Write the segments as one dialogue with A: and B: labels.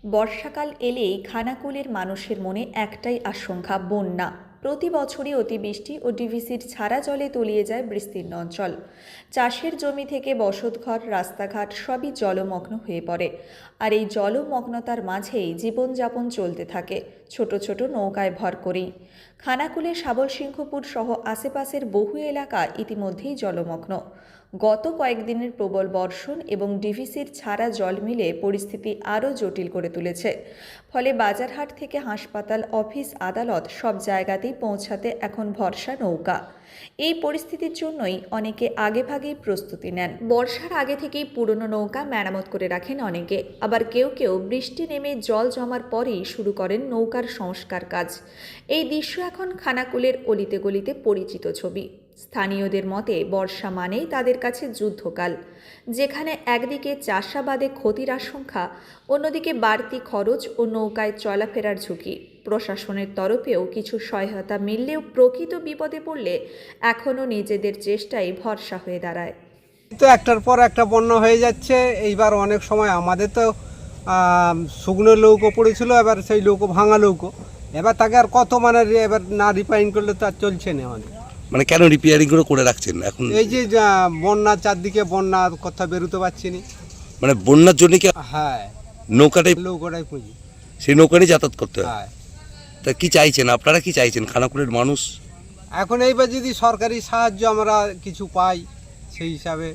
A: বর্ষাকাল এলেই খানাকুলের মানুষের মনে একটাই আশঙ্কা, বন্যা। প্রতি বছরই অতিবৃষ্টি ও ডিভিসির ছাড়া জলে তলিয়ে যায় বিস্তীর্ণ অঞ্চল। চাষের জমি থেকে বসতঘর, রাস্তাঘাট সবই জলমগ্ন হয়ে পড়ে। আর এই জলমগ্নতার মাঝেই জীবনযাপন চলতে থাকে ছোট ছোট নৌকায় ভর করেই। খানাকুলের শাবলসিংহপুর সহ আশেপাশের বহু এলাকা ইতিমধ্যেই জলমগ্ন। গত কয়েকদিনের প্রবল বর্ষণ এবং ডিভিসির ছাড়া জল মিলে পরিস্থিতি আরও জটিল করে তুলেছে। ফলে বাজারহাট থেকে হাসপাতাল, অফিস, আদালত সব জায়গাতেই পৌঁছাতে এখন ভরসা নৌকা। এই পরিস্থিতির জন্যই অনেকে আগেভাগেই প্রস্তুতি নেন। বর্ষার আগে থেকেই পুরনো নৌকা মেরামত করে রাখেন অনেকে, আবার কেউ কেউ বৃষ্টি নেমে জল জমার পরেই শুরু করেন নৌকার সংস্কার কাজ। এই দৃশ্য এখন খানাকুলের অলিতে গলিতে পরিচিত ছবি। স্থানীয়দের মতে বর্ষা মানেই তাদের কাছে যুদ্ধকাল, যেখানে একদিকে চাষাবাদে ক্ষতির আশঙ্কা, অন্যদিকে বাড়তি খরচ ও নৌকায় চলাফেরার ঝুঁকি। প্রশাসনের তরফেও কিছু সহায়তা মিললেও প্রকৃত বিপদে পড়লে এখনও নিজেদের চেষ্টাই ভরসা হয়ে দাঁড়ায়।
B: তো একটার পর একটা বন্যা হয়ে যাচ্ছে। এইবার অনেক সময় আমাদের তো শুকনো নৌকো পড়েছিল, এবার সেই নৌকো ভাঙা নৌকো, এবার তাকে আর কত এবার না রিপেয়ারিং করলে তো আর চলছে না আমাদের।
C: কেন রিপেয়ারিং করে রাখছেন এখন?
B: এই যে বন্যা, চারদিকে বন্যা, কথা বেরোতে পারছি না।
C: বন্যার জন্য কি?
B: হ্যাঁ,
C: নৌকাটাই
B: পুঁজি,
C: সেই নৌকা নিয়ে যাতায়াত করতে হয়।
B: হ্যাঁ।
C: তা কি চাইছেন আপনারা, কি চাইছেন খানাকুলের মানুষ?
B: এখন এইবার যদি সরকারি সাহায্য আমরা কিছু পাই সেই হিসাবে,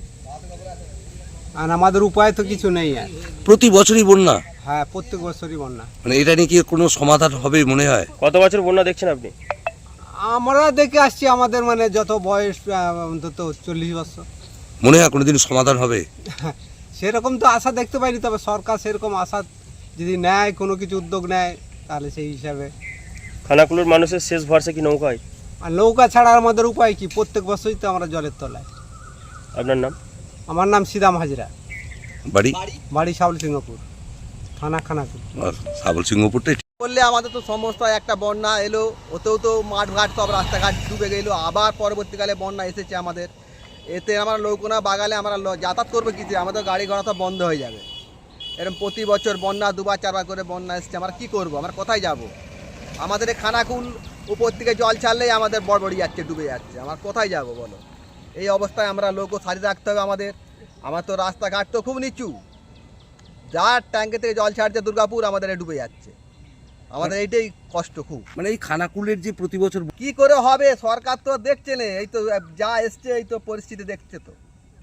B: আর আমাদের উপায় তো কিছু নেই আর।
C: প্রতি বছরই বন্যা?
B: হ্যাঁ, প্রত্যেক বছরই বন্যা।
C: এটা নিয়ে কি কোনো সমাধান হবে মনে হয়?
D: কত বছর বন্যা দেখছেন আপনি?
B: আমরা দেখে আসছি, আমাদের যত বয়স অন্তত 40 বছর।
C: মনে হয় কোনোদিন সমাধান হবে?
B: সেরকম তো আশা দেখতে পাইনি, তবে সরকার সেরকম আশা যদি নেয়, কোনো কিছু উদ্যোগ নেয়, তাহলে সেই হিসাবে।
D: খানাকুলের মানুষের শেষ ভরসা কি নৌকায়?
B: আর নৌকা ছাড়া আমাদের উপায় কি? প্রত্যেক বছরই তো আমরা জলের তলায়।
D: আপনার নাম?
B: আমার নাম সিদাম হাজরা,
C: বাড়ি
B: শাবলসিংহপুর, থানা খানাকুল।
C: শাবলসিংহপুরটাই
E: বললে আমাদের তো সমস্যা। একটা বন্যা এলো, ওতেও তো মাঠঘাট সব রাস্তাঘাট ডুবে গেল। আবার পরবর্তীকালে বন্যা এসেছে আমাদের, এতে আমরা নৌকোনা বাগালে আমরা যাতায়াত করবো কিছু, আমাদের গাড়ি ঘোড়া সব বন্ধ হয়ে যাবে। এরকম প্রতি বছর বন্যা 2বার 4বার করে বন্যা এসছে, আমরা কি করব? আমরা কোথায় যাব? আমাদের এই খানাকুল উপর থেকে জল ছাড়লেই আমাদের বড়বড়ি যাচ্ছে, ডুবে যাচ্ছে। আমরা কোথায় যাব বলো? এই অবস্থায় আমরা নৌকো সারিয়ে রাখতে হবে আমাদের। আমার তো রাস্তাঘাট তো খুব নিচু, যার ট্যাঙ্কে থেকে জল ছাড়ছে দুর্গাপুর, আমাদের ডুবে যাচ্ছে। আমাদের এইটাই কষ্ট খুব।
C: এই খানাকুলের যে প্রতি বছর
E: কি করে হবে? সরকার তো দেখছে না, এই তো যা এসছে, এই তো পরিস্থিতি দেখছে তো।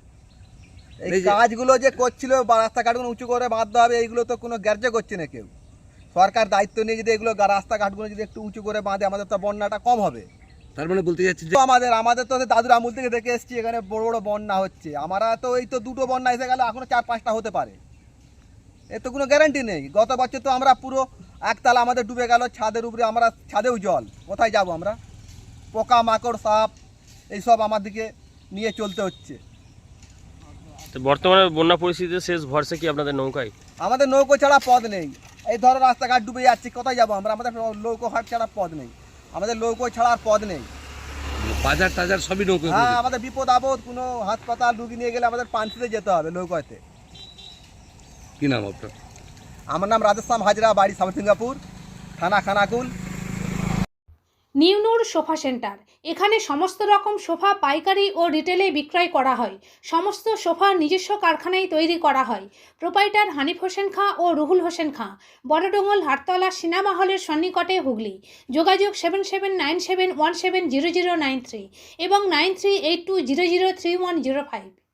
E: এই কাজগুলো যে করছিল, রাস্তাঘাটগুলো উঁচু করে বাঁধতে হবে, এইগুলো তো কোনো গ্যার্য করছে না কেউ। সরকার দায়িত্ব নিয়ে যদি এগুলো রাস্তাঘাটগুলো যদি একটু উঁচু করে বাঁধে, আমাদের তো বন্যাটা কম হবে।
C: তার বলতে যাচ্ছে যে
E: আমাদের তো দাদুর আমূল থেকে দেখে এসছি, এখানে বড় বড় বন্যা হচ্ছে। আমরা তো এই তো 2টো বন্যা এসে গেলে, এখনো 4-5টা হতে পারে, এর তো কোনো গ্যারান্টি নেই। গত বছর তো আমরা পুরো একতলা আমাদের ডুবে গেল, ছাদের উপরে, আমরা ছাদেও জল, কোথায় যাব আমরা? পোকা মাকড় সাপ এইসব আমাদেরকে নিয়ে চলতে হচ্ছে।
D: তো বর্তমানে বন্যা পরিস্থিতিতে শেষ ভরসা কি আপনাদের নৌকায়?
E: আমাদের নৌকো ছাড়া পথ নেই। এই ধরো রাস্তাঘাট ডুবে যাচ্ছে, কোথায় যাব আমরা? আমাদের নৌকো ঘাট ছাড়া পথ নেই, আমাদের নৌকো ছাড়ার পথ নেই।
C: বাজার টাজার সবই নৌকো?
E: হ্যাঁ, আমাদের বিপদ আপদ, কোনো হাসপাতাল রুগী নিয়ে গেলে আমাদের পানসিতে যেতে হবে নৌকাতে।
C: কি নাম আপনার?
E: আমার নাম রাজেশ্যাম হাজরা, বাড়ি শাবলসিংহপুর, থানা খানাকুল।
F: নিউ সোফা সেন্টার, এখানে সমস্ত রকম সোফা পাইকারি ও রিটেলে বিক্রয় করা হয়। সমস্ত সোফা নিজস্ব কারখানায় তৈরি করা হয়। প্রোপাইটার হানিফ হোসেন খাঁ ও রুহুল হোসেন খাঁ, বড়ডোঙ্গল, হাটতলা, সিনেমা হলের সন্নিকটে, হুগলি। যোগাযোগ 7797170093 এবং 9382003105।